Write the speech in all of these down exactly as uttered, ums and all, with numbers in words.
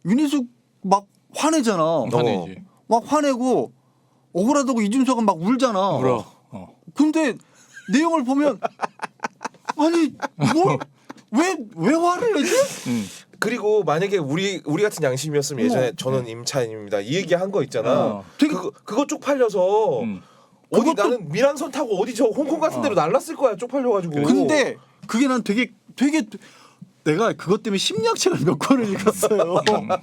윤희숙 막 화내잖아. 화내지. 막 화내고 억울하다고 이준석은 막 울잖아. 울어. 어. 근데 내용을 보면 아니 뭘왜왜 왜 화를 내지? 음. 그리고 만약에 우리 우리 같은 양심이었으면 예전에 어머. 저는 임차인입니다. 이 얘기 한 거 있잖아. 어. 되게- 그거 그거 쪽팔려서 음. 어디 그것도- 나는 미란선 타고 어디 저 홍콩 같은 데로 날랐을 거야. 쪽팔려가지고. 근데 그게 난 되게 되게 내가 그것 때문에 심리학책을 몇 권을 읽었어요.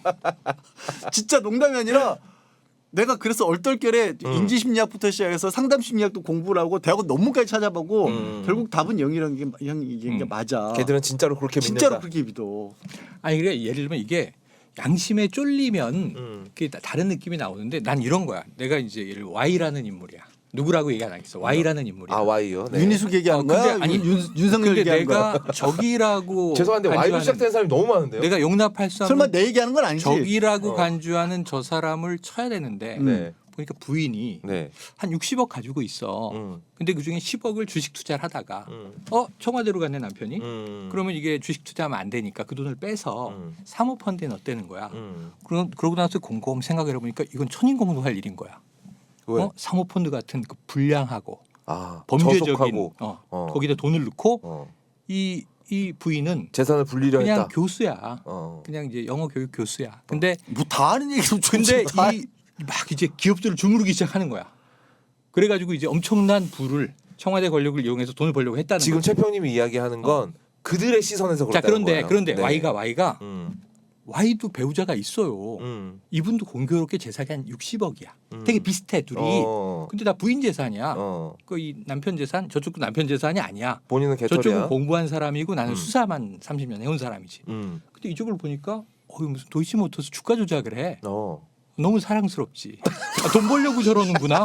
진짜 농담이 아니라 내가 그래서 얼떨결에 음. 인지심리학부터 시작해서 상담심리학도 공부를 하고 대학원 논문까지 찾아보고 음. 결국 답은 영이라는 게, 영, 이게 음. 맞아. 걔들은 진짜로 그렇게 진짜로 믿는다. 그렇게 믿어. 아니 그래 예를 들면 이게 양심에 쫄리면 음. 그게 다- 다른 느낌이 나오는데 난 이런 거야. 내가 이제 예를 들어 Y라는 인물이야. 누구라고 얘기 안 하겠어. Y라는 인물이야. 아 와이요. 네. 윤희숙 얘기하는 어, 근데 거야? 아니, 윤, 윤석열 근데 얘기하는 거야? 내가 적이라고 죄송한데 와이로 간주하는 시작된 사람이 너무 많은데요. 내가 용납할 수 설마 없는 내 얘기하는 건 아니지? 적이라고 어. 간주하는 저 사람을 쳐야 되는데 음. 네. 보니까 부인이 네. 한 육십억 가지고 있어. 음. 근데 그중에 십억을 주식 투자를 하다가 음. 어 청와대로 갔네 남편이. 음. 그러면 이게 주식 투자하면 안 되니까 그 돈을 빼서 음. 사모펀드에 넣었다는 거야. 음. 그러, 그러고 나서 곰곰 생각을 해보니까 이건 천인공노할 일인 거야. 왜? 어? 사모펀드 같은 그 불량하고 아 범죄적인 저속하고 어, 어. 거기다 돈을 넣고 어. 이, 이 부인은 재산을 불리려 그냥 했다. 교수야. 어. 그냥 이제 영어 교육 교수야. 근데 뭐 다 아는 얘기 좀 근데 다 이 막 이제 기업들을 주무르기 시작하는 거야. 그래가지고 이제 엄청난 부를 청와대 권력을 이용해서 돈을 벌려고 했다는 지금 거지. 최평님이 이야기하는 건 그들의 시선에서 자 그렇다는 그런데 거예요. 그런데 네. Y가 Y가 음. Y도 배우자가 있어요. 음. 이분도 공교롭게 재산이 한 육십억이야. 음. 되게 비슷해 둘이. 어. 근데 다 부인 재산이야. 어. 그 이 남편 재산 저쪽도 남편 재산이 아니야. 본인은 개털이야. 저쪽은 공부한 사람이고 나는 음. 수사만 삼십 년 해온 사람이지. 음. 근데 이쪽을 보니까 어 무슨 도이치모터스 주가 조작을 해. 어. 너무 사랑스럽지. 아, 돈 벌려고 저러는구나.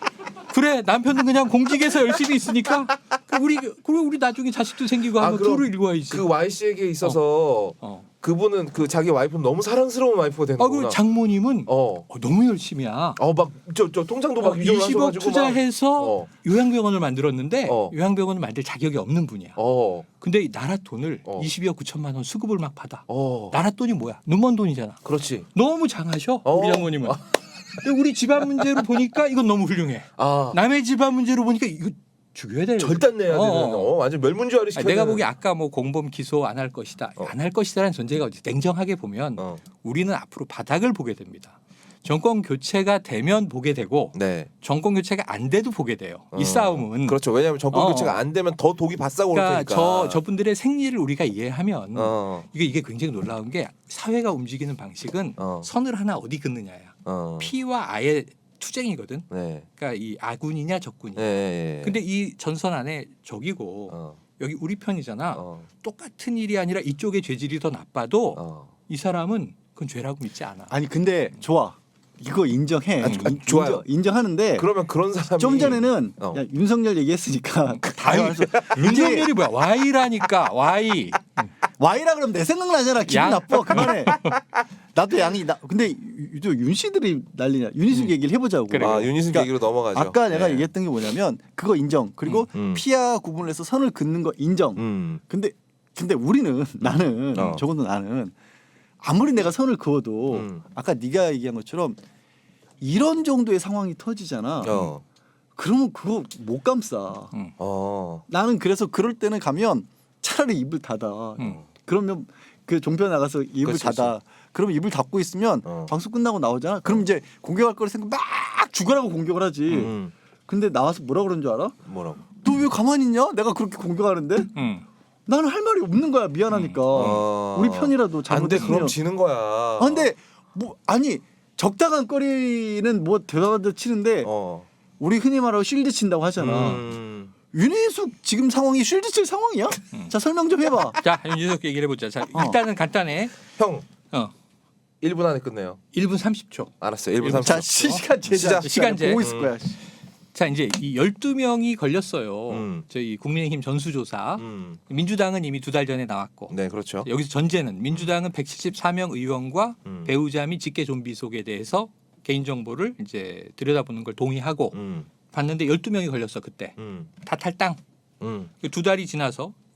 그래 남편은 그냥 공직에서 열심히 있으니까 그 우리 그리고 우리 나중에 자식도 생기고 하면 아, 그럼 둘을 읽어야지. 그 Y 씨에게 있어서 어. 그분은 그 자기 와이프는 너무 사랑스러운 와이프가 되는 아 거구나. 그리고 장모님은 어. 어, 너무 열심히야. 어 막 저 저 통장도 막 어, 위조를 이십억 하셔가지고 투자해서 막, 어. 요양병원을 만들었는데 어. 요양병원을 만들 자격이 없는 분이야. 어. 근데 이 나라 돈을 어. 이십이억 구천만 원 수급을 막 받아. 어. 나라 돈이 뭐야? 눈먼 돈이잖아. 그렇지. 너무 장하셔 어. 우리 장모님은. 근데 우리 집안 문제로 보니까 이건 너무 훌륭해. 아. 남의 집안 문제로 보니까 이거 죽여야 돼. 절단 내야 되는. 어. 어. 완전 멸문지화를 시켜. 아니, 내가 보기 아까 뭐 공범 기소 안 할 것이다. 어. 안 할 것이다라는 전제가 어디 냉정하게 보면 어. 우리는 앞으로 바닥을 보게 됩니다. 정권 교체가 되면 보게 되고 네. 정권 교체가 안 돼도 보게 돼요. 어. 이 싸움은. 그렇죠. 왜냐하면 정권 어. 교체가 안 되면 더 독이 바싹 오를 그러니까 테니까. 저 저분들의 생리를 우리가 이해하면 어. 이게 이게 굉장히 놀라운 게 사회가 움직이는 방식은 어. 선을 하나 어디 긋느냐야. 어. 피와 아의 투쟁이거든. 네. 그러니까 이 아군이냐 적군이냐. 예. 예. 예. 근데 이 전선 안에 적이고 어. 여기 우리 편이잖아. 어. 똑같은 일이 아니라 이쪽의 죄질이 더 나빠도 어. 이 사람은 그건 죄라고 믿지 않아. 아니 근데 좋아. 이거 인정해. 아, 인- 좋아요. 인정, 인정하는데 그러면 그런 사람이 좀 전에는 어. 야, 윤석열 얘기했으니까 다 아니, 알았어. 윤석열이 뭐야? Y라니까 Y. Y라 그러면 내 생각 나잖아. 기분 양. 나빠. 그만해. 나도 양이 나. 근데 유- 유- 윤 씨들이 난리냐. 윤희숙 음. 얘기를 해보자고. 그래. 아 윤희숙 그러니까 얘기로 넘어가죠. 아까 내가 네. 얘기했던 게 뭐냐면 그거 인정. 그리고 음. 피와 구분을 해서 선을 긋는 거 인정. 음. 근데 근데 우리는 나는 어. 적어도 나는 아무리 내가 선을 그어도 음. 아까 네가 얘기한 것처럼 이런 정도의 상황이 터지잖아. 어. 그러면 그거 못 감싸. 음. 어. 나는 그래서 그럴 때는 가면 차라리 입을 닫아. 음. 그러면 그 종편 나가서 입을 그치, 닫아. 그러면 입을 닫고 있으면 어. 방송 끝나고 나오잖아. 그럼 이제 공격할 거를 생각 막 죽으라고 공격을 하지. 음. 근데 나와서 뭐라 그러는 줄 알아? 뭐라고? 너 왜 가만히 있냐? 내가 그렇게 공격하는데 음. 나는 할 말이 없는 거야. 미안하니까. 어. 우리 편이라도 안 돼. 잘못했으면. 그럼 지는 거야. 아, 근데 뭐 아니 적당한 거리는 뭐 대화도 치는데 어. 우리 흔히 말하고 쉴드 친다고 하잖아. 음. 윤희숙 지금 상황이 쉴드 칠 상황이야? 자 설명 좀 해봐. 자 윤준석 얘기를 해보자. 자 어. 일단은 간단해. 형 어. 일 분 안에 끝내요. 일 분 삼십 초. 알았어요. 일 분 일 분 삼십 초. 자 시간 제자 시작. 시간제. 보고 있을 거야. 자 이제 이 열두 명이 걸렸어요. 음. 저희 국민의힘 전수조사. 음. 민주당은 이미 두 달 전에 나왔고 네, 그렇죠. 여기서 전제는 민주당은 백칠십사 명 의원과 음. 배우자 및 직계 좀비 속에 대해서 개인 정보를 이제 들여다보는 걸 동의하고 음. 봤는데 열두 명이 걸렸어 그때. 음. 다 탈당. 음. 두 달이 지나서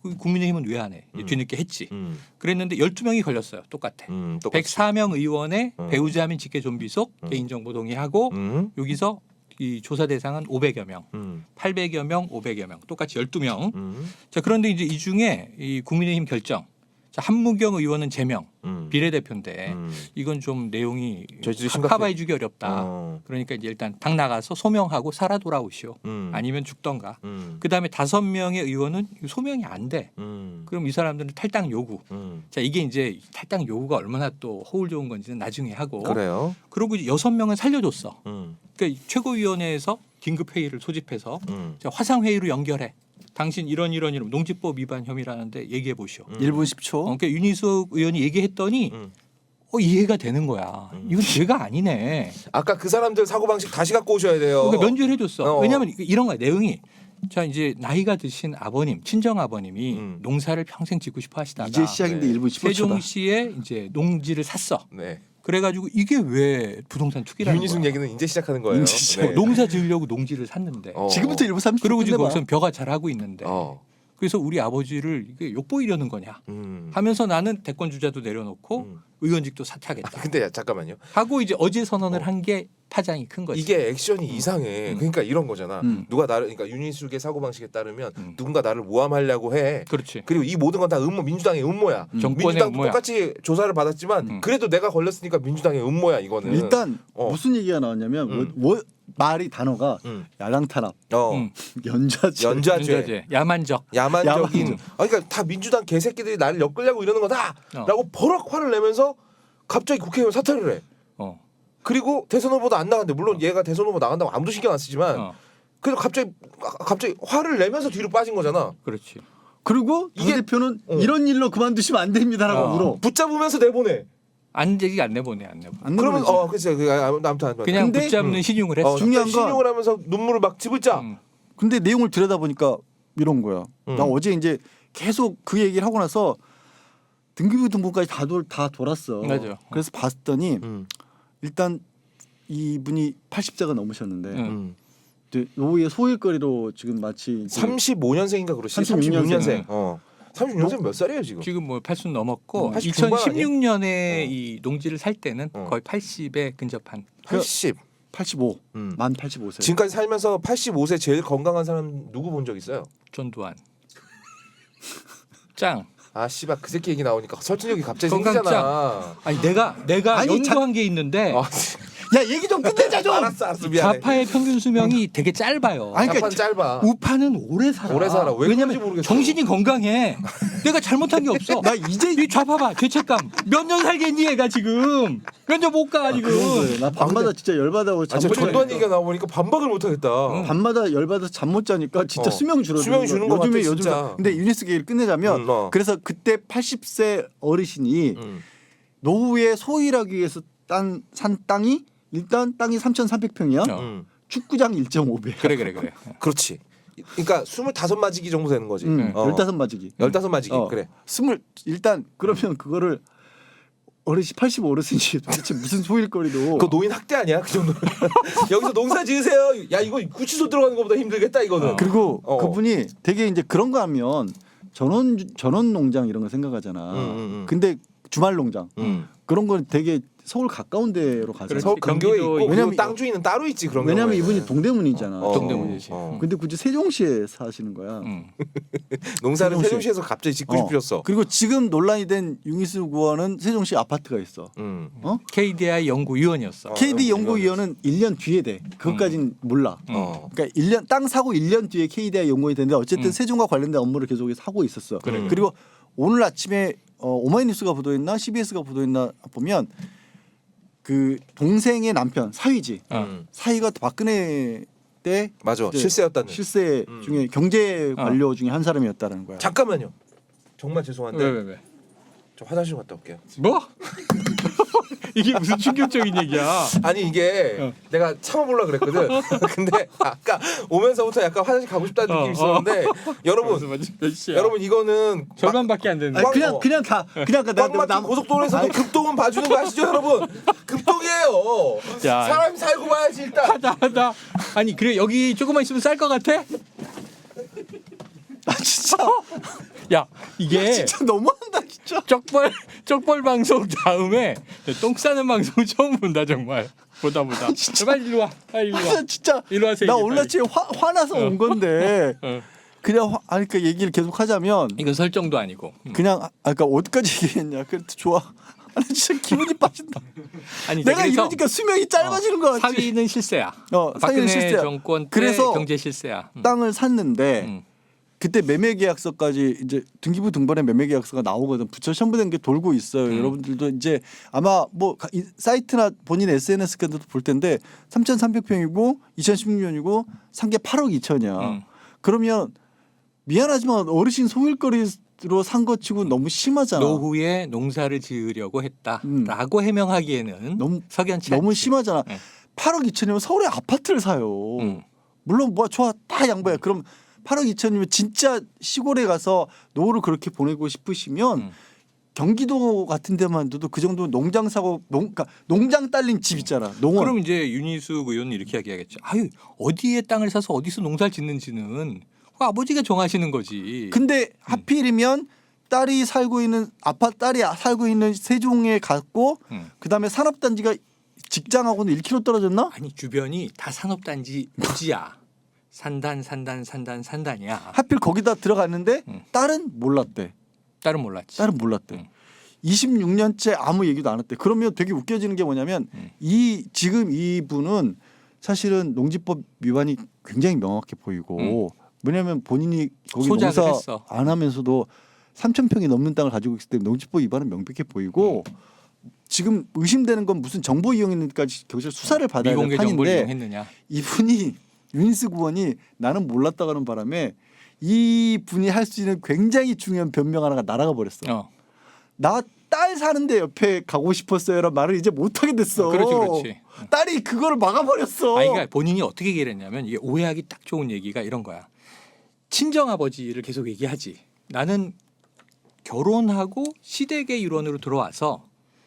국민의힘은 왜 안 해? 음. 뒤늦게 했지. 음. 그랬는데 열두 명이 걸렸어요. 똑같아. 음, 똑같이. 백사 명 의원의 음. 배우자 및 직계 좀비속 음. 개인정보 동의하고 음. 여기서 이 조사 대상은 오백여 명, 음. 팔백여 명, 오백여 명, 똑같이 열두 명. 음. 자 그런데 이제 이 중에 이 국민의힘 결정. 자 한무경 의원은 제명 음. 비례대표인데 음. 이건 좀 내용이 저희도 심각해. 커버해주기 어렵다. 어. 그러니까 이제 일단 당 나가서 소명하고 살아 돌아오시오. 음. 아니면 죽던가. 음. 그 다음에 다섯 명의 의원은 소명이 안 돼. 음. 그럼 이 사람들은 탈당 요구. 음. 자 이게 이제 탈당 요구가 얼마나 또 허울 좋은 건지는 나중에 하고. 그래요. 그리고 이제 여섯 명은 살려줬어. 음. 그러니까 최고위원회에서 긴급 회의를 소집해서 음. 자, 화상 회의로 연결해. 당신 이런 이런 이런 농지법 위반 혐의라는데 얘기해 보시오. 음. 일 분 십 초. 어, 그러니까 윤희숙 의원이 얘기했더니 음. 어, 이해가 되는 거야. 음. 이건 죄가 아니네. 아까 그 사람들 사고 방식 다시 갖고 오셔야 돼요. 그러니까 면죄를 해줬어. 어. 왜냐하면 이런 거야 내용이. 자 이제 나이가 드신 아버님, 친정 아버님이 음. 농사를 평생 짓고 싶어 하시다가 이제 시작인데 네. 일 분 십오 초다. 세종시에 이제 농지를 샀어. 네. 그래가지고 이게 왜 부동산 투기라는 윤희숙 거야. 얘기는 이제 시작하는 거예요. 이제 시작. 어, 농사 지으려고 농지를 샀는데. 어. 지금부터 일 분 삼십 초 그리고 지금 끝내봐. 거기서 벼가 잘하고 있는데. 어. 그래서 우리 아버지를 이게 욕보이려는 거냐 음. 하면서 나는 대권 주자도 내려놓고 음. 의원직도 사퇴하겠다 근데 야, 잠깐만요. 하고 이제 어제 선언을 어. 한 게 파장이 큰 거지. 이게 액션이 이상해. 음. 그러니까 이런 거잖아. 음. 누가 나를 그러니까 윤희숙의 사고 방식에 따르면 음. 누군가 나를 모함하려고 해. 그렇지. 그리고 이 모든 건 다 음모 민주당의 음모야. 음. 정권의 민주당도 음모야. 똑같이 조사를 받았지만 음. 그래도 내가 걸렸으니까 민주당의 음모야 이거는. 일단 어. 무슨 얘기가 나왔냐면 음. 뭐, 뭐 말이 단어가 음. 야당 탄압, 어. 음. 연좌제, 연좌죄, 문제제. 야만적. 야만적인. 야만적. 아, 그러니까 다 민주당 개새끼들이 나를 엮으려고 이러는 거다라고 어. 버럭 화를 내면서 갑자기 국회의원 사퇴를 해. 어. 그리고 대선 후보도 안 나간대. 물론 얘가 대선 후보 나간다고 아무도 신경 안 쓰지만 어. 그래도 갑자기 갑자기 화를 내면서 뒤로 빠진 거잖아. 그렇지. 그리고 당 이게- 대표는 어. 이런 일로 그만두시면 안 됩니다라고 어. 물어. 붙잡으면서 내보내. 안 되기 안 내보내 안 내보. 안 그러면 내보내지. 어 그치 그 아, 아무튼 아무튼 그냥 근데- 붙잡는 음. 신용을 했어. 어, 중요한 건- 신용을 하면서 눈물을 막 집을자. 음. 근데 내용을 들여다보니까 이런 거야. 음. 나 어제 이제 계속 그 얘기를 하고 나서 등기부 등본까지 다, 돌, 다 돌았어. 맞아. 그래서 봤더니 음. 일단 이분이 팔십 세가 넘으셨는데 음. 음. 이제 노후의 소일거리로 지금 마치 이제 삼십오 년생인가 그렇지. 삼십육 삼십육 년생. 년생. 어. 삼십육 년생 몇 살이에요 지금? 지금 뭐 팔십 넘었고 음, 팔십 중반 이천십육 년에 아니야? 어. 이 농지를 살 때는 어. 거의 팔십에 근접한. 팔십. 팔십오, 음. 만 팔십오 세. 지금까지 살면서 팔십오 세 제일 건강한 사람 누구 본 적 있어요? 전두환. 짱. 아 씨발 그 새끼 얘기 나오니까 설득력이 갑자기 건강 생기잖아. 아니 내가 내가 아니, 연구한 게 있는데 어, 야 얘기 좀 끝내자 좀. 알았어 알았어 미안해. 좌파의 평균 수명이 되게 짧아요. 아니, 자판 그러니까 짧아. 우파는 오래 살아. 오래 살아. 왜 왜냐면 그런지 모르겠어. 정신이 건강해. 내가 잘못한 게 없어. 나 이제 이 좌파 봐. 죄책감. 몇 년 살겠니 얘가 지금. 몇 년 못 가 지금. 그런 거예요. 나 밤마다 근데- 진짜 열받아고 아, 잠 저 못 전두환 자니까. 얘기가 나오니까 반박을 못 하겠다. 응. 밤마다 열받아서 잠 못 자니까 진짜 어. 수명 줄어드는 수명이 주는 것 요즘에 같아, 요즘 진짜. 근데 유니스 얘기를 끝내자면 음, 어. 그래서 그때 팔십 세 어르신이 음. 노후에 소일하기 위해서 딴, 산 땅이 일단 땅이 삼천삼백 평이야. 어. 음. 축구장 일 점 오 배. 그래 그래 그래. 그렇지. 그러니까 스물다섯 마지기 정도 되는 거지. 응, 어. 열다섯 마지기. 열다섯 마지기. 어. 그래. 스물 일단 그러면 그거를 어르신 팔십오 어르신이 도대체 무슨 소일거리도 그거 노인 학대 아니야? 그 정도. 여기서 농사 지으세요. 야 이거 구치소 들어가는 것보다 힘들겠다 이거는. 어. 그리고 어. 그분이 되게 이제 그런 거 하면 전원 전원 농장 이런 거 생각하잖아. 음, 음, 음. 근데 주말 농장 음. 그런 건 되게 서울 가까운 데로 가잖아. 그렇지. 서울 근교에 경기도 있고 왜냐면 왜냐면 땅 주인은 따로 있지 그런 왜냐면 경우에는. 이분이 동대문이잖아. 어, 동대문이지. 어. 근데 굳이 세종시에 사시는 거야. 음. 농사를 세종시. 세종시에서 갑자기 짓고 어. 싶으셨어. 그리고 지금 논란이 된 융희수 의원은 세종시 아파트가 있어. 음. 어? 케이디아이 연구위원이었어. 어. 케이디 영- 연구위원은 일 년 뒤에 돼. 그것까진 몰라. 음. 어. 그러니까 일 년 땅 사고 일 년 뒤에 케이디아이 연구원이 되는데 어쨌든 음. 세종과 관련된 업무를 계속해서 하고 있었어. 그래. 그리고 오늘 아침에 어, 오마이뉴스가 보도했나 씨비에스가 보도했나 보면 그 동생의 남편 사위지. 어. 음. 사위가 박근혜 때 맞아. 이제 실세였다는. 실세 음. 중에 경제 관료 중에 한 사람이었다는 거야. 잠깐만요. 정말 죄송한데 왜 왜 왜? 저 화장실 갔다 올게요. 뭐? 이게 무슨 충격적인 얘기야? 아니 이게 어. 내가 참아보려 그랬거든. 근데 아까 오면서부터 약간 화장실 가고 싶다는 어, 느낌이 있었는데 여러분 몇 시야? 여러분 이거는 절반밖에 안 되는데. 아니, 꽉- 그냥 어. 그냥 가. 그냥 가. 나- 꽉 막힌 나- 고속도로에서도 아니, 급동은 봐주는 거 아시죠 여러분? 급동이에요. 야. 사람이 살고 봐야지 일단. 하다 하다. 아니 그래 여기 조금만 있으면 쌀 것 같아? 아 진짜. 야 이게 진짜 너무한다 진짜. 쪽벌 쪽벌 방송 다음에 똥 싸는 방송 처음 본다 정말. 보다 보다. 빨리 일로 와. 빨리 일로 와. 아, 진짜 일로 와세요. 나 이제 원래 빨리. 지금 화, 화나서 온 건데 어. 그냥 화, 아니 그러니까 얘기를 계속 하자면 이건 설정도 아니고. 음. 그냥 아 그러니까 어디까지 얘기했냐. 그래도 좋아. 아니 진짜 기분이 빠진다. 아니 이제 내가 그래서 이러니까 수명이 짧아지는 거 같지. 사위는 실세야. 어, 박근혜 사위는 실세야. 정권 때 그래서 경제 실세야. 음. 땅을 샀는데 음. 그때 매매계약서까지 이제 등기부 등본에 매매계약서가 나오거든. 부처 첨부된 게 돌고 있어요. 음. 여러분들도 이제 아마 뭐 가- 이 사이트나 본인 에스엔에스 같은 데도 볼 텐데 삼천삼백 평이고 이천십육 년이고 산 게 팔억 이천이야. 음. 그러면 미안하지만 어르신 소일거리로 산 거 치고 너무 심하잖아. 노후에 농사를 지으려고 했다라고 음. 해명하기에는 너무 석연치 너무 않지. 심하잖아. 네. 팔억 이천이면 서울에 아파트를 사요. 음. 물론 뭐 좋아 다 양보야. 그럼 팔억 이천이면 진짜 시골에 가서 노후를 그렇게 보내고 싶으시면 음. 경기도 같은 데만 둬도 그 정도 농장 사고 농 그러니까 농장 딸린 집 있잖아. 농원. 그럼 이제 윤희숙 의원은 이렇게 이야기하겠죠. 아유 어디에 땅을 사서 어디서 농사를 짓는지는 그 아버지가 정하시는 거지. 근데 하필이면 딸이 살고 있는 아파트 딸이 살고 있는 세종에 갔고 음. 그다음에 산업단지가 직장하고는 일 킬로미터 떨어졌나? 아니 주변이 다 산업단지 부지야. 산단 산단 산단 산단이야. 하필 거기다 들어갔는데 음. 딸은 몰랐대. 딸은 몰랐지. 딸은 몰랐대. 음. 이십육 년째 아무 얘기도 안 했대. 그러면 되게 웃겨지는 게 뭐냐면 음. 이 지금 이분은 사실은 농지법 위반이 굉장히 명확해 보이고 왜냐하면 본인이 거기 소작을 농사 했어. 안 하면서도 삼천 평이 넘는 땅을 가지고 있을 때 농지법 위반은 명백해 보이고 지금 의심되는 건 무슨 정보 이용인까지 경찰 수사를 받아야 될 미공개 정보를 판인데 이용했느냐. 이분이 윤희숙 의원이 나는 몰랐다고 하는 바람에 이 분이 할 수 있는 굉장히 중요한 변명 하나가 날아가 버렸어. 어. 나 딸 사는데 옆에 가고 싶었어요라는 말을 이제 못 하게 됐어. 그렇지 그렇지. 딸이 그거를 막아버렸어. 아니, 그러니까 본인이 어떻게 얘기를 했냐면 이게 오해하기 딱 좋은 얘기가 이런 거야. 친정 아버지를 계속 얘기하지. 나는 결혼하고 시댁의 일원으로 들어와서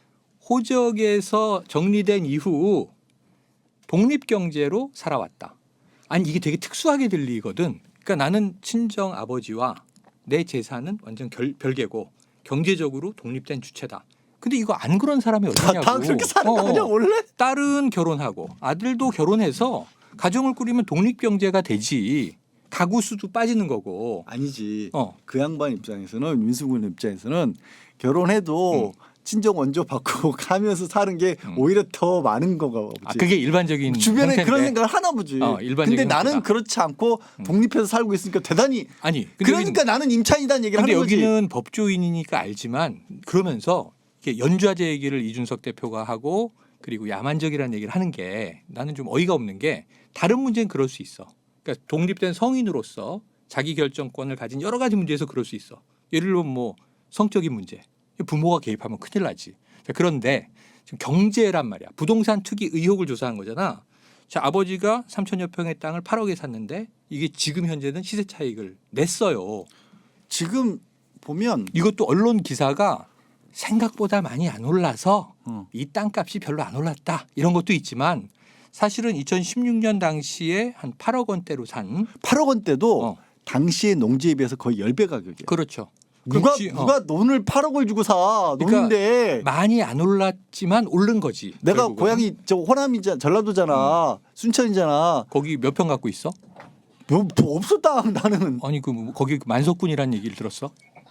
호적에서 정리된 이후 독립 경제로 살아왔다. 아니 이게 되게 특수하게 들리거든. 그러니까 나는 친정 아버지와 내 재산은 완전 결, 별개고 경제적으로 독립된 주체다. 근데 이거 안 그런 사람이 다, 어디냐고. 다 그렇게 사는 거 어, 아니야 어. 원래? 딸은 결혼하고 아들도 결혼해서 가정을 꾸리면 독립 경제가 되지. 가구 수도 빠지는 거고. 아니지. 어. 그 양반 입장에서는 윤희숙 의원 입장에서는 결혼해도 음. 친정 원조 받고 가면서 사는 게 음. 오히려 더 많은 거가 보지. 아 그게 일반적인 주변에 형태인데. 그런 생각을 하나 보지. 어, 일반적인 근데 나는 형태다. 그렇지 않고 독립해서 살고 있으니까 대단히 아니 근데 그러니까 나는 임차인이라는 얘기를 근데 하는 거지. 여기는 법조인이니까 알지만 그러면서 이렇게 연좌제 얘기를 이준석 대표가 하고 그리고 야만적이라는 얘기를 하는 게 나는 좀 어이가 없는 게 다른 문제는 그럴 수 있어. 그러니까 독립된 성인으로서 자기 결정권을 가진 여러 가지 문제에서 그럴 수 있어. 예를 들면 뭐 성적인 문제, 부모가 개입하면 큰일 나지. 자, 그런데 지금 경제란 말이야. 부동산 투기 의혹을 조사한 거잖아. 자, 아버지가 삼천여 평의 땅을 팔억에 샀는데 이게 지금 현재는 시세 차익을 냈어요. 지금 보면 이것도 언론 기사가 생각보다 많이 안 올라서 어. 이 땅값이 별로 안 올랐다 이런 것도 있지만 사실은 이천십육 년 당시에 한 팔억 원대로 산 팔억 원대도 어. 당시의 농지에 비해서 거의 십 배 가격이야. 그렇죠. 누가 그렇지. 어. 누가 돈을 팔억을 주고 사 그러니까 농인데 많이 안 올랐지만 오른 거지. 내가 결국은. 고향이 저 호남이잖아 전라도잖아 순천이잖아. 거기 몇 평 갖고 있어? 뭐, 뭐 없어 땅 나는. 아니 그 뭐 거기 만석군이라는 얘기를 들었어?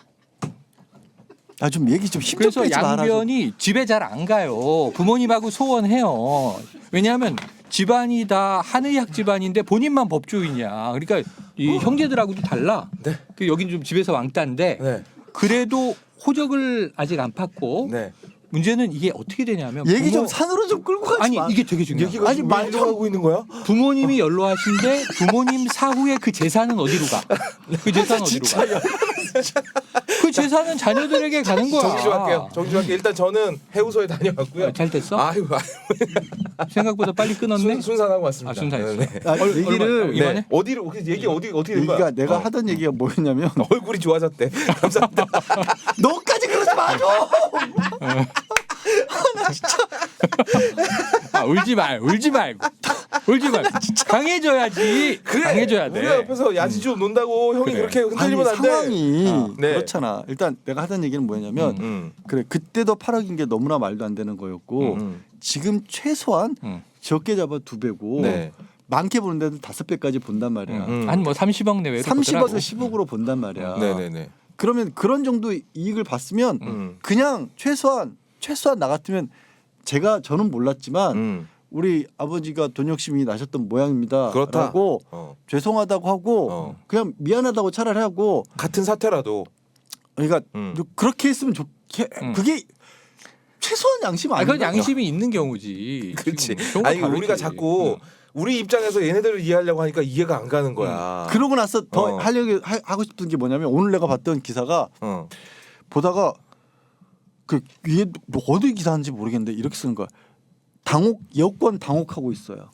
아 좀 얘기 좀 힘좀 그래서 빼지 마라. 좀. 양변이 집에 잘 안 가요. 부모님하고 소원해요. 왜냐하면 집안이 다 한의학 집안인데 본인만 법조인이야. 그러니까 이 형제들하고도 달라. 네. 그 여긴 좀 집에서 왕따인데 네. 그래도 호적을 아직 안 팠고 네. 문제는 이게 어떻게 되냐면 얘기 좀 부모- 산으로 좀 끌고 가지 아니 마. 이게 되게 중요해. 얘기가 아니, 지금 말 말로 좀- 하고 있는 거야? 부모님이 연로하신데 부모님 사후에 그 재산은 어디로 가? 그 재산은 어디로 가? 그 재산은 자녀들에게 가는 거야. 정리 좀 할게요. 정리 좀 할게요. 일단 저는 해우소에 다녀왔고요. 아, 잘 됐어? 아유, 생각보다 빨리 끊었네. 순, 순산하고 왔습니다. 아, 순산했어. 네. 아, 얼- 얘기를 얼마- 네. 이만해? 어디로 그 얘기 어디 어떻게 된 거야? 얘기가 내가 어. 하던 얘기가 뭐였냐면 얼굴이 좋아졌대. 감사합니다. 너까지 그러지 마 좀. 아, 울지 말, 울지 말고. 울지 말. 강해져야지. 강해져야 돼. 우리가 옆에서 야지주 논다고 형이 그래. 그렇게 흔들리면 아니, 안 돼. 상황이 어. 네. 그렇잖아. 일단 내가 하던 얘기는 뭐냐면 음. 그래 그때도 팔억인 게 너무나 말도 안 되는 거였고 음. 지금 최소한 음. 적게 잡아 두 배고 네. 많게 보는 데도 다섯 배까지 본단 말이야. 음. 한 뭐 삼십억 내외로 삼십억에서 보더라고. 십억으로 본단 말이야. 네네네. 그러면 그런 정도 이익을 봤으면 음. 그냥 최소한 최소한 나 같으면 제가 저는 몰랐지만 음. 우리 아버지가 돈 욕심이 나셨던 모양입니다. 그렇다. 라고 어. 죄송하다고 하고 어. 그냥 미안하다고 차라리 하고 같은 사태라도. 그러니까 음. 그렇게 했으면 좋게 음. 그게 최소한 양심 아, 아닌가? 그건 양심이 있는 경우지. 그렇지. 지금 경우가 아니 다르지. 우리가 자꾸 우리 입장에서 얘네들을 이해하려고 하니까 이해가 안 가는 거야. 그러고 나서 더 어. 하려고 하, 하고 싶은 게 뭐냐면 오늘 내가 봤던 기사가 어. 보다가 그 위에 뭐 어디 기사인지 모르겠는데 이렇게 쓰는 거야. 당혹 여권 당혹하고 있어요.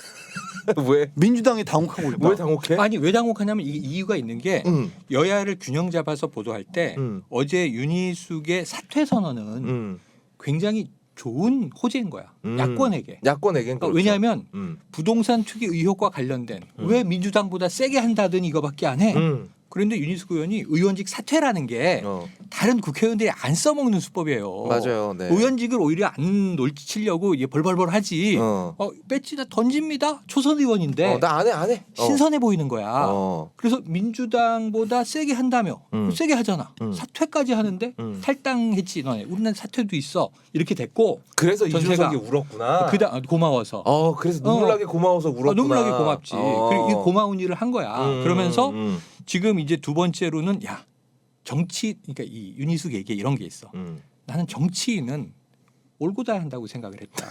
왜? 민주당이 당혹하고 있다. 왜 당혹해? 아니 왜 당혹하냐면 이게 이유가 있는 게 음. 여야를 균형 잡아서 보도할 때 음. 어제 윤희숙의 사퇴 선언은 음. 굉장히 좋은 호재인 거야. 음. 야권에게. 야권에겐 그러니까 그렇죠. 왜냐하면 음. 부동산 투기 의혹과 관련된 음. 왜 민주당보다 세게 한다더니 이거밖에 안 해. 음. 그런데 윤희숙 의원이 의원직 사퇴라는 게 어. 다른 국회의원들이 안 써먹는 수법이에요. 맞아요. 네. 의원직을 오히려 안 놀치려고 이게 벌벌벌 하지. 어. 어, 배지다 던집니다. 초선 의원인데 어, 나 안 해, 안 해. 어. 신선해 보이는 거야. 어. 그래서 민주당보다 세게 한다며 음. 세게 하잖아. 음. 사퇴까지 하는데 음. 탈당했지 너네. 우리는 사퇴도 있어. 이렇게 됐고 그래서 전체가- 이준석이 울었구나. 그다 고마워서. 어, 그래서 눈물나게 고마워서 울었구나. 어, 눈물나게 고맙지. 어. 그리고 이 고마운 일을 한 거야. 음, 그러면서 음, 지금 이제 두 번째로는 야 정치 그러니까 이 윤희숙 얘기에 이런 게 있어. 음. 나는 정치인은 올고다 한다고 생각을 했다.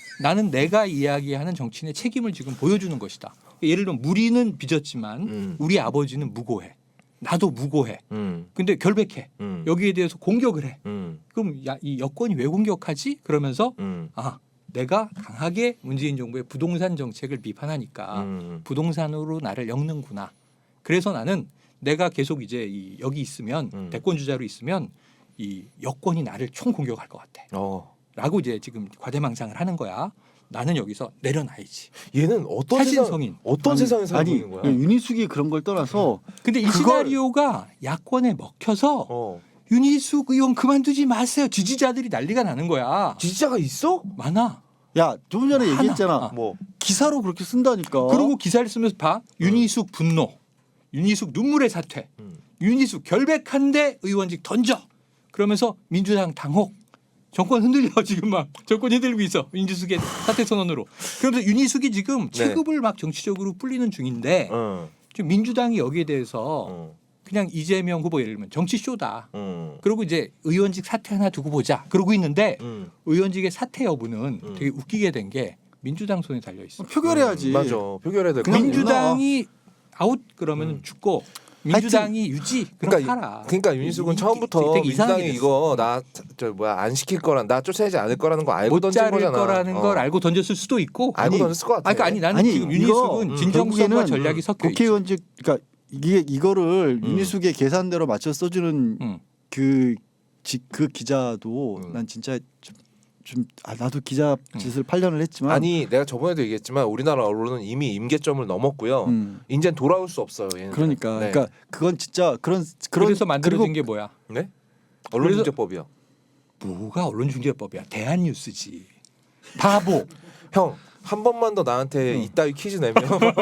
나는 내가 이야기하는 정치인의 책임을 지금 보여주는 것이다. 예를 들면 무리는 빚었지만 음. 우리 아버지는 무고해. 나도 무고해. 음. 근데 결백해. 음. 여기에 대해서 공격을 해. 음. 그럼 야, 이 여권이 왜 공격하지? 그러면서 음. 아 내가 강하게 문재인 정부의 부동산 정책을 비판하니까 음. 부동산으로 나를 엮는구나. 그래서 나는 내가 계속 이제 이 여기 있으면 음. 대권 주자로 있으면 이 여권이 나를 총 공격할 것 같아. 어. 라고 이제 지금 과대망상을 하는 거야. 나는 여기서 내려놔야지. 얘는 어떤 사신 세상, 성인. 어떤 아니, 세상에 살고 아니 있는 거야? 윤희숙이 그런 걸 떠나서 근데 이 그걸- 시나리오가 야권에 먹혀서 어. 윤희숙 의원 그만두지 마세요. 지지자들이 난리가 나는 거야. 지지자가 있어? 많아. 야 조금 전에 하나. 얘기했잖아. 아. 뭐. 기사로 그렇게 쓴다니까. 그리고 기사를 쓰면서 봐. 윤희숙 분노. 윤희숙 눈물의 사퇴. 음. 윤희숙 결백한데 의원직 던져. 그러면서 민주당 당혹. 정권 흔들려 지금 막 정권 흔들리고 있어. 윤희숙의 사퇴 선언으로. 그러면서 윤희숙이 지금 네. 체급을 막 정치적으로 불리는 중인데 어. 지금 민주당이 여기에 대해서 어. 그냥 이재명 후보 예를 들면 정치 쇼다. 음. 그리고 이제 의원직 사퇴 하나 두고 보자. 그러고 있는데 음. 의원직의 사퇴 여부는 음. 되게 웃기게 된 게 민주당 손에 달려 있어. 표결해야지. 음, 맞아. 표결해야 될 그냥 거. 민주당이 아웃 그러면 음. 죽고 민주당이 유지 그럼 그러니까 살아. 그러니까 윤희숙은 이- 이- 처음부터 되게 이상하게 민주당이 됐어. 이거 나 저 뭐야 안 시킬 거란 나 쫓아내지 않을 거라는 거 알고 못 던진 자를 거잖아. 거라는 어. 걸 알고 던졌을 수도 있고. 알고 아니, 던졌을 것 같아. 아니, 그러니까 아니 나는 아니, 지금 이거, 윤희숙은 음, 진정성과 결국에는 전략이 섞여 있지. 국회의원직 그러니까 이게 이거를 음. 윤희숙의 계산대로 맞춰 써주는 음. 그, 지, 그 기자도 음. 난 진짜 좀, 좀 아, 나도 기자 짓을 팔 년을 했지만 아니 내가 저번에도 얘기했지만 우리나라 언론은 이미 임계점을 넘었고요. 음, 이젠 돌아올 수 없어요. 얘네들은. 그러니까 네. 그러니까 그건 진짜 그런 그런 그래서 만들어진 그리고 게 뭐야? 네? 언론중재법이요. 뭐가 언론중재법이야? 대한뉴스지. 바보. 형 한 번만 더 나한테 응. 이따위 퀴즈 내면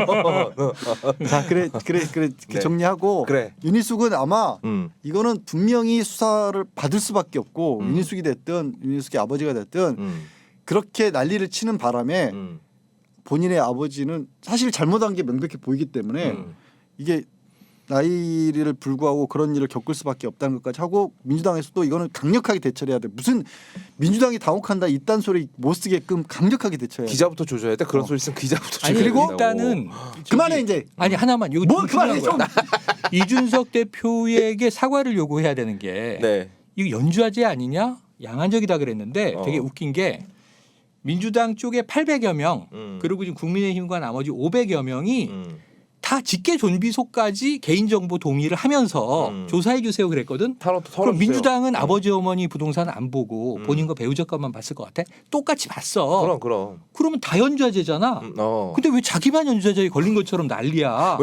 자 그래 그래 그래 네. 정리하고 그래. 윤희숙은 아마 음. 이거는 분명히 수사를 받을 수밖에 없고 음. 윤희숙이 됐든 윤희숙의 아버지가 됐든 음. 그렇게 난리를 치는 바람에 음. 본인의 아버지는 사실 잘못한 게 명백히 보이기 때문에 음. 이게 나이를 불구하고 그런 일을 겪을 수밖에 없다는 것까지 하고 민주당에서도 이거는 강력하게 대처를 해야 돼. 무슨 민주당이 당혹한다 이딴 소리 못 쓰게끔 강력하게 대처해야 돼. 기자부터 조져야 돼. 그런 어. 소리 쓰면 기자부터 아니 조져야 그리고 된다고. 일단은 그만해 저기- 이제. 아니 하나만 이거 뭘 좀 중요한 그만해 좀. 거야. 이준석 대표에게 사과를 요구해야 되는 게 네. 이거 연주화제 아니냐? 양한적이다 그랬는데 어. 되게 웃긴 게 민주당 쪽에 팔백여 명 음. 그리고 지금 국민의힘과 나머지 오백여 명이 음. 다 직계 존비속까지 개인정보 동의를 하면서 음. 조사해 주세요 그랬거든. 털어, 털어 그럼 주세요. 민주당은 음. 아버지 어머니 부동산 안 보고 음. 본인과 배우자 것만 봤을 것 같아? 똑같이 봤어. 그럼 그럼. 그러면 다 연좌제잖아. 음, 어. 근데 왜 자기만 연좌제에 걸린 것처럼 난리야?